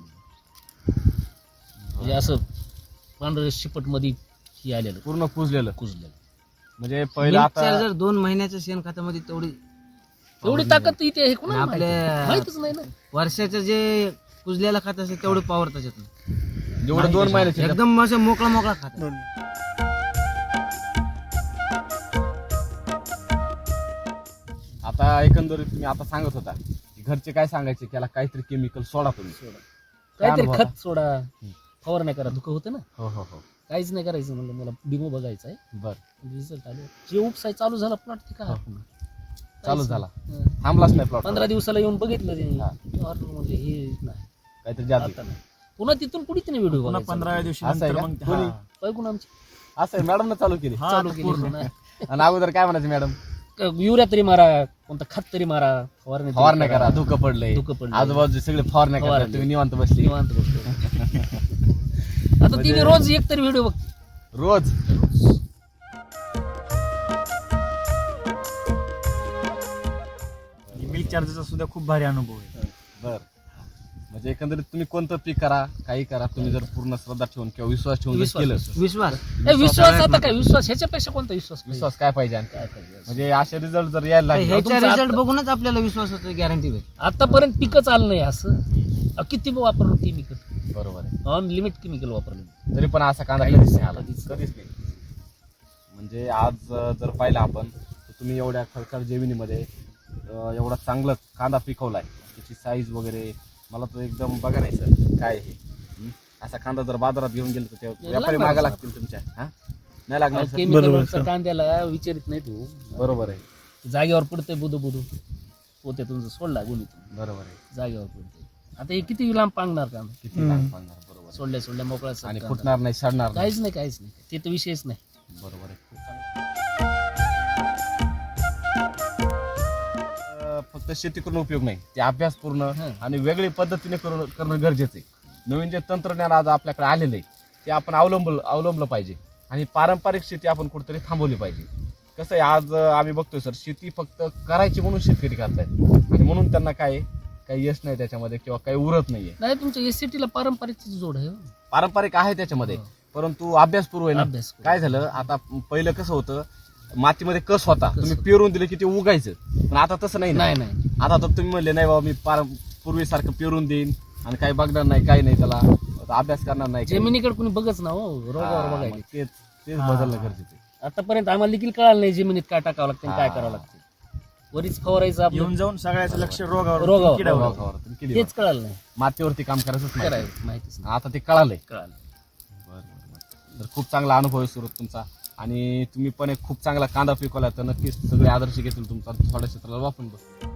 Speaker 2: म्हणजे असं पांढऱ्या शिपट मध्ये ही आलेलं
Speaker 1: पूर्ण कुजलेलं.
Speaker 2: कुजलेलं.
Speaker 1: म्हणजे पहिलं
Speaker 4: Milk
Speaker 1: आता
Speaker 4: charger 2 महिन्याच्या शेणखतामध्ये तेवढी
Speaker 2: एवढी ताकद इथे आहे कोणाला
Speaker 4: आपल्या-
Speaker 2: माहितच नाही ना.
Speaker 4: वर्षाचं जे कुजलेला खात असेल तेवढी पॉवर त्याच्यात नाही.
Speaker 1: जेवढं 2 महिन्याचे
Speaker 4: एकदम असं मोकळा मोकळा खात.
Speaker 1: आता एकंदरीत तुम्ही आता सांगत होता की घरचे काय सांगायचे, त्याला काहीतरी केमिकल सोडा तुम्ही.
Speaker 2: काहीतरी
Speaker 1: अनुभव
Speaker 2: खत सोडा फवार नाही करा धुकं होतं ना.
Speaker 1: हो हो हो.
Speaker 2: काहीच नाही करायचं म्हणलं मला डेमो बघायचा आहे.
Speaker 1: बर.
Speaker 2: रिझल्ट आले जे उपसाय चालू झाला प्लॉट ते काय
Speaker 1: चालू झाला,
Speaker 2: हं.
Speaker 1: थांबलाच नाही प्लॉट.
Speaker 2: 15 दिवसाला येऊन बघितलं
Speaker 1: हा.
Speaker 2: त्यांनी म्हणले हे नाही
Speaker 1: काहीतरी जादू.
Speaker 2: आता नाही. पुन्हा तिथून पुढे तिने व्हिडिओ
Speaker 3: पुन्हा 15व्या दिवशी
Speaker 1: असं आहे
Speaker 3: नंतर
Speaker 1: का?
Speaker 3: मग
Speaker 1: कोणी?
Speaker 3: हा.
Speaker 2: बघून आमची
Speaker 1: असं आहे, मॅडमनं चालू केली.
Speaker 3: हा,
Speaker 2: चालू
Speaker 3: आता
Speaker 2: केली
Speaker 3: पूर्ण.
Speaker 2: पुन्हा.
Speaker 1: आणि अगोदर काय म्हणायचे मॅडम,
Speaker 2: युरिया तरी मारा कोणतं खत तरी मारा फवारणी तरी
Speaker 1: फवारण्या करा, धुकं पडलंय,
Speaker 2: धुकं पडलंय.
Speaker 1: आजूबाजूचे सगळे फवारण्या करा,
Speaker 2: फवारणी.
Speaker 1: तुम्ही निवांत बसली.
Speaker 2: निवांत बसतो. आता ती मी रोज एक तरी व्हिडिओ बघते.
Speaker 1: रोज.
Speaker 3: मिल्क चार्जरचा सुद्धा खूप भारी अनुभव आहे.
Speaker 1: बर. म्हणजे एकंदरीत तुम्ही कोणतं पीक करा, काही करा, तुम्ही जर पूर्ण श्रद्धा ठेवून किंवा विश्वास ठेवून जर
Speaker 2: विश्वास,
Speaker 1: केलं,
Speaker 4: विश्वास
Speaker 2: विश्वास आता काय विश्वास ह्याच्यापेक्षा कोणता विश्वास पाहिजे?
Speaker 1: विश्वास काय पाहिजे आणखी?
Speaker 2: काय पाहिजे?
Speaker 1: म्हणजे असे रिझल्ट जर यायला लागले,
Speaker 4: ह्याच्या
Speaker 2: तुमचं
Speaker 4: रिझल्ट
Speaker 2: आता-
Speaker 4: बघूनच आपल्याला विश्वासाची गॅरंटी भेट.
Speaker 2: आतापर्यंत पिकच आलं नाही असं किती वापरलं केमिकल
Speaker 1: बरोबर आहे.
Speaker 2: ऑन लिमिट केमिकल वापरलं.
Speaker 1: तरी पण असा कांदा कधीच नाही आला.
Speaker 2: कधीच.
Speaker 1: कधीच नाही. म्हणजे आज जर पाहिलं आपण तर तुम्ही एवढ्या खडखड जमिनीमध्ये एवढा चांगलं कांदा पिकवलाय, त्याची साईज वगैरे मला तो एकदम बघा नाही सर काय हे असा कांदा जर बाजारात घेऊन गेलो तर ते व्यापारी मागा लागतील तुमच्या. नाही लागणार सर.
Speaker 2: केमिकल कांद्याला विचारित नाही तू,
Speaker 1: बरोबर आहे.
Speaker 2: जागेवर पडते बुधू पोते तुमचं सोडला गुणीतून,
Speaker 1: बरोबर आहे.
Speaker 2: जागेवर पडते. आता हे किती लांब पांगणार कांदा,
Speaker 1: किती लांब पाहणार. बरोबर आहे.
Speaker 2: सोडल्या मोकळा
Speaker 1: आणि फुटणार नाही, सडणार नाही.
Speaker 2: काहीच नाही ते तर विषयच नाही.
Speaker 1: बरोबर आहे. फक्त शेती करून उपयोग नाही, ते अभ्यास पूर्ण आणि वेगळी पद्धतीने करणं गरजेचं आहे. नवीन जे तंत्रज्ञान आज आपल्याकडे आलेलं आहे ते आपण अवलंबलं पाहिजे आणि पारंपरिक शेती आपण कुठेतरी थांबवली पाहिजे. कसं आहे, आज आम्ही बघतोय सर, शेती फक्त करायची म्हणून शेतकरी करतायत आणि म्हणून त्यांना काही यश नाही त्याच्यामध्ये किंवा काही उरत नाहीये.
Speaker 2: नाही तुमच्या एससीटीला पारंपरिक जोड आहे.
Speaker 1: पारंपरिक आहे त्याच्यामध्ये, परंतु अभ्यासपूर्व आहे ना. काय झालं, आता पहिलं कसं होतं, मातीमध्ये कस होता, तुम्ही पेरून दिले की ते उगायचं, पण आता तसं नाही. आता तर तुम्ही म्हणले नाही बाबा मी पूर्वीसारखं पेरून देईन आणि काही बघणार नाही, काही नाही, त्याला अभ्यास करणार नाही.
Speaker 2: जमिनीकडे कोणी बघच ना हो, रोगावर बघायला.
Speaker 1: तेच बदलणं गरजेचं आहे.
Speaker 2: आतापर्यंत आम्हाला देखील कळालं नाही जमिनीत काय टाकावं लागतं काय करावं लागतं. वरीच फवारायचं आपलं
Speaker 3: येऊन जाऊन सगळ्याचं लक्ष रोगावर
Speaker 2: रोगावर.
Speaker 3: किडावर.
Speaker 1: तुम्ही किती
Speaker 2: तेच कळालं नाही,
Speaker 1: मातीवरती काम करायचंच नाही.
Speaker 2: माहितीच नाही.
Speaker 1: आता ते कळालंय.
Speaker 2: कळालं.
Speaker 1: तर खूप चांगला अनुभव आहे सुरत तुमचा आणि तुम्ही पण एक खूप चांगला कांदा पिकवला, तर नक्कीच सगळे आदर्श घेतील तुमचा थोड्या क्षेत्राला वापरून बघ.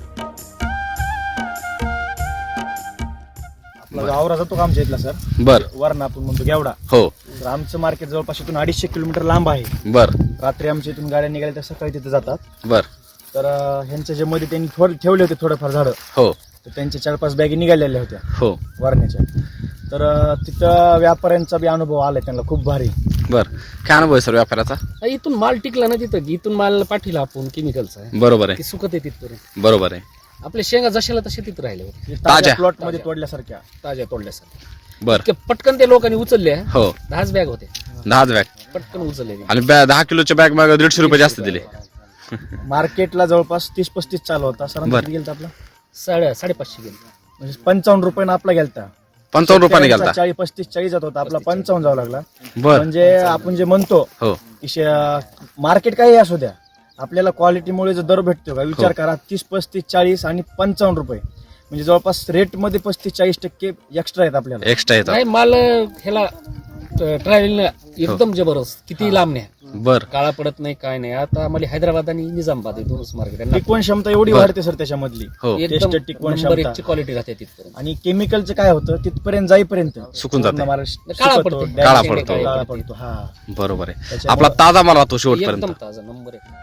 Speaker 3: आपला जो आवरा जातो का आमच्या इथला सर,
Speaker 5: बर
Speaker 3: वरण आपण म्हणतो गेवडा,
Speaker 5: हो
Speaker 3: तर आमचं मार्केट जवळपास इथून 250 किलोमीटर लांब आहे.
Speaker 5: बर
Speaker 3: रात्री आमच्या इथून गाड्या निघाल्या तर सकाळी तिथे जातात.
Speaker 5: बर
Speaker 3: तर ह्यांच्या जे मध्ये त्यांनी ठेवले होते थोडंफार झाडं,
Speaker 5: हो
Speaker 3: तर त्यांच्या 4-5 बॅगी निघालेल्या होत्या
Speaker 5: हो
Speaker 3: वरण्याच्या. तर तिथं व्यापाऱ्यांचा बी अनुभव आलाय त्यांना खूप भारी.
Speaker 5: बर काय अनुभव आहे सर व्यापाराचा?
Speaker 2: इथून माल टिकला ना तिथं, इथून माल पाठीला आपण केमिकलचा आहे,
Speaker 5: बरोबर आहे,
Speaker 2: ते सुकत आहे तिथपर्यंत.
Speaker 5: बरोबर आहे.
Speaker 2: आपल्या शेंगा जशाला तशा तिथं राहिले होते,
Speaker 5: ताज्या.
Speaker 3: प्लॉट मध्ये तोडल्यासारख्या.
Speaker 2: ताज्या तोडल्यासारख्या.
Speaker 5: बर
Speaker 2: इतके पटकन ते लोकांनी उचलल्या,
Speaker 5: हो
Speaker 2: 10 बॅग होते,
Speaker 5: 10 बॅग
Speaker 2: पटकन उचलले.
Speaker 5: आणि 10 किलोच्या बॅग मागे 150 रुपये जास्त दिले.
Speaker 3: मार्केटला जवळपास 30-35 चालू होता. सरांचा किती गेलता आपला?
Speaker 2: 550 गेले.
Speaker 3: म्हणजे 55 रुपयानं आपला गेलता.
Speaker 5: 55 रुपयाने गेलता.
Speaker 3: 40-35-40 जात होता, आपला 55 जावं लागला.
Speaker 5: बर
Speaker 3: म्हणजे आपण जे म्हणतो
Speaker 5: हो
Speaker 3: की मार्केट काही असू द्या, आपल्याला क्वालिटीमुळे जो दर भेटतो का विचार करा, 30-35-40 आणि 55 रुपये म्हणजे जवळपास रेट मध्ये 35-40% एक्स्ट्रा आहेत आपल्याला.
Speaker 5: एक्स्ट्रा येतात.
Speaker 2: नाही माल ह्याला ट्रॅव्हलिंग एकदम जबरदस्त, किती लांब नाही,
Speaker 5: बर
Speaker 2: काळा पडत नाही काय नाही. आता आम्हाला हैदराबाद आणि निजामाबाद हे दोनच मार्केट आहे.
Speaker 3: टिकवण क्षमता एवढी वाढते सर त्याच्यामधली.
Speaker 5: हो
Speaker 2: एकदम
Speaker 3: टेस्ट टिकवण
Speaker 2: नंबर
Speaker 3: क्षमता.
Speaker 2: एकची क्वालिटी राहते तिथपर्यंत.
Speaker 3: आणि केमिकलचं काय होतं, तिथपर्यंत जाईपर्यंत
Speaker 5: सुकून जाते.
Speaker 3: पूर्ण
Speaker 2: काळा
Speaker 3: सुकतो,
Speaker 2: पडतो.
Speaker 3: डॅमेज
Speaker 5: काळा
Speaker 3: होतो,
Speaker 5: पडतो.
Speaker 3: काळा पडतो. हा
Speaker 5: बरोबर आहे.
Speaker 3: त्याच्यामुळं-
Speaker 5: आपला ताजा माल राहतो शेवटपर्यंत.
Speaker 2: एकदम ताजा नंबर एक.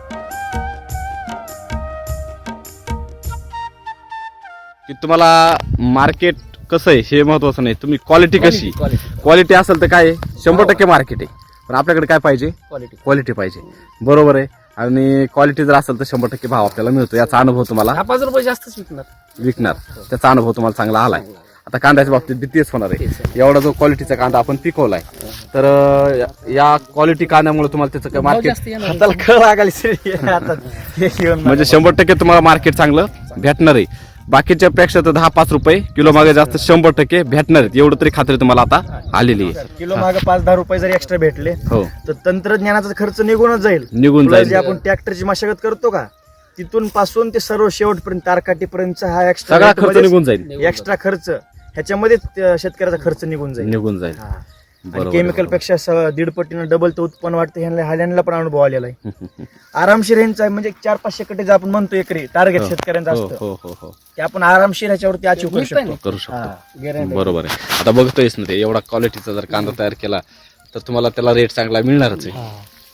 Speaker 5: की तुम्हाला मार्केट कसं आहे हे महत्वाचं नाही, तुम्ही क्वालिटी कशी,
Speaker 2: क्वालिटी
Speaker 5: क्वालिटी असेल तर काय 100% मार्केट आहे, पण आपल्याकडे काय पाहिजे,
Speaker 2: क्वालिटी.
Speaker 5: क्वालिटी पाहिजे. बरोबर आहे. आणि क्वालिटी जर असेल तर 100% भाव आपल्याला मिळतो. याचा अनुभव तुम्हाला
Speaker 2: 5 रुपये जास्तच
Speaker 5: विकणार, त्याचा अनुभव तुम्हाला चांगला आलाय. आता कांद्याच्या बाबतीत बी तेच होणार आहे. एवढा जो क्वालिटीचा कांदा आपण पिकवलाय, तर या क्वालिटी कांद्यामुळे तुम्हाला त्याचं काय मार्केट
Speaker 2: जास्त येणार.
Speaker 3: हाताला कळ लागायला सर आता हे घेऊन
Speaker 5: म्हणजे 100% तुम्हाला मार्केट चांगलं भेटणार आहे. बाकीच्या पेक्षा तर 10-5 रुपये किलो मागे जास्त 100% भेटणार आहेत, एवढं तरी खात्री तुम्हाला आता आलेली आहे.
Speaker 3: किलो मागे 5-10 रुपये जर एक्स्ट्रा भेटले
Speaker 5: हो
Speaker 3: तर तंत्रज्ञानाचा खर्च निघूनच जाईल.
Speaker 5: निघून
Speaker 3: तुला
Speaker 5: जाईल.
Speaker 3: जे आपण ट्रॅक्टरची मशागत करतो का, तिथून पासून ते सर्व शेवटपर्यंत तारकाटीपर्यंत हा एक्स्ट्रा
Speaker 5: सगळा खर्च निघून जाईल.
Speaker 3: एक्स्ट्रा खर्च ह्याच्यामध्ये शेतकऱ्याचा खर्च निघून जाईल.
Speaker 5: निघून जाईल.
Speaker 3: हा. आणि
Speaker 5: बरोबर,
Speaker 3: केमिकल पेक्षा 1.5 पटीनं डबल तर उत्पन्न वाटतं. ह्यांना पण अनुभव आलेला आहे. आरामशीर ह्यांचा म्हणजे 400-500 कटे जे आपण म्हणतो एकरी टार्गेट शेतकऱ्यांचं
Speaker 5: हो
Speaker 3: असतं,
Speaker 5: हो हो हो
Speaker 3: ते आपण आरामशीर ह्याच्यावरती अचीव करू शकतो.
Speaker 5: करू शकतो.
Speaker 3: हा.
Speaker 5: बरोबर आहे. आता बघतोयस ना ते एवढा क्वालिटीचा जर कांदा तयार केला तर तुम्हाला त्याला रेट चांगला मिळणारच आहे.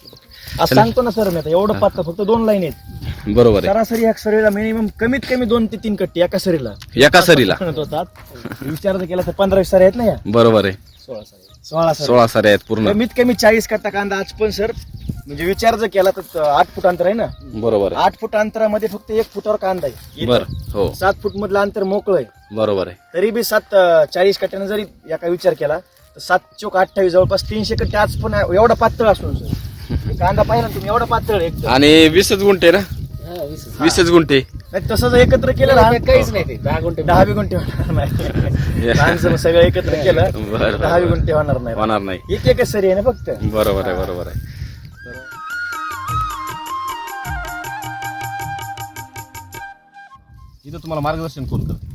Speaker 3: आज सांगतो ना सर मी, आता एवढं पात्र फक्त 2 लाईन आहेत.
Speaker 5: बरोबर आहे.
Speaker 3: सरासरी एक सरीला मिनिमम कमीत कमी 2 ते 3 कट्टी एका सरीला
Speaker 5: एका सरीला
Speaker 3: म्हणत होतात. विचार जर केला तर 15 सरी आहेत ना या,
Speaker 5: बरोबर आहे.
Speaker 3: 16 सरी.
Speaker 5: 16 सारे आहेत पूर्ण.
Speaker 3: कमीत कमी 40 कट्टा कांदा आज पण सर म्हणजे विचार जर केला तर 8 फूट अंतर आहे ना,
Speaker 5: बरोबर आहे.
Speaker 3: 8 फूट अंतरामध्ये फक्त 1 फुटावर कांदा आहे.
Speaker 5: बर हो
Speaker 3: 7 फूट मधलं अंतर मोकळं आहे,
Speaker 5: बरोबर आहे.
Speaker 3: तरी बी 40 कट्ट्यानं जरी एका विचार केला तर 7 चोक 28 जवळपास 300 कट्टे आज पण एवढा पातळ असून सर कांदा पाहिला ना तुम्ही, एवढा पातळ आहे एकदम.
Speaker 5: आणि 20 गुंठे ना, 20 गुंठे
Speaker 3: नाही तसं जर एकत्र केलं ना
Speaker 2: काहीच नाही ते 10 गुंठे
Speaker 3: 10 गुंठे होणार नाही. माणसं सगळं एकत्र केलं
Speaker 5: बरं,
Speaker 3: 10 गुंठे होणार नाही.
Speaker 5: होणार नाही.
Speaker 3: एक एकच सरी आहे ना फक्त.
Speaker 5: बरोबर आहे. बरोबर आहे.
Speaker 1: इथं तुम्हाला मार्गदर्शन कोण करतं?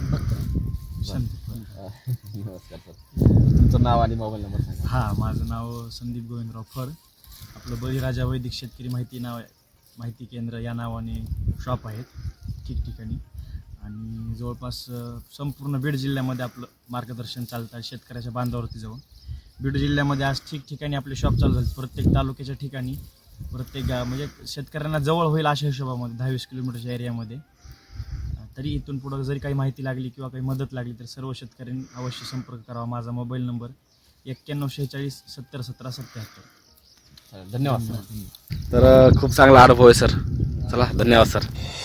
Speaker 5: नमस्कार सर, तुमचं नाव आणि मोबाईल नंबर सांगा.
Speaker 6: हां, माझं नाव संदीप गोविंदराव फर. आपलं बळीराजा वैदिक शेतकरी माहिती केंद्र या नावाने शॉप आहेत ठिकठिकाणी आणि जवळपास संपूर्ण बीड जिल्ह्यामध्ये आपलं मार्गदर्शन चालतं आहे शेतकऱ्याच्या बांधावरती जाऊन. बीड जिल्ह्यामध्ये आज ठिकठिकाणी आपले शॉप चालू झाले, प्रत्येक तालुक्याच्या ठिकाणी, प्रत्येक म्हणजे शेतकऱ्यांना जवळ होईल अशा हिशोबामध्ये 10-20 किलोमीटरच्या एरियामध्ये. तरी इथून पुढं जरी काही माहिती लागली किंवा काही मदत लागली तर सर्व शेतकऱ्यांनी अवश्य संपर्क करावा. माझा मोबाईल नंबर 9146 70 17 77.
Speaker 5: धन्यवाद सर. तर खूप चांगला अनुभव आहे सर. चला, धन्यवाद सर.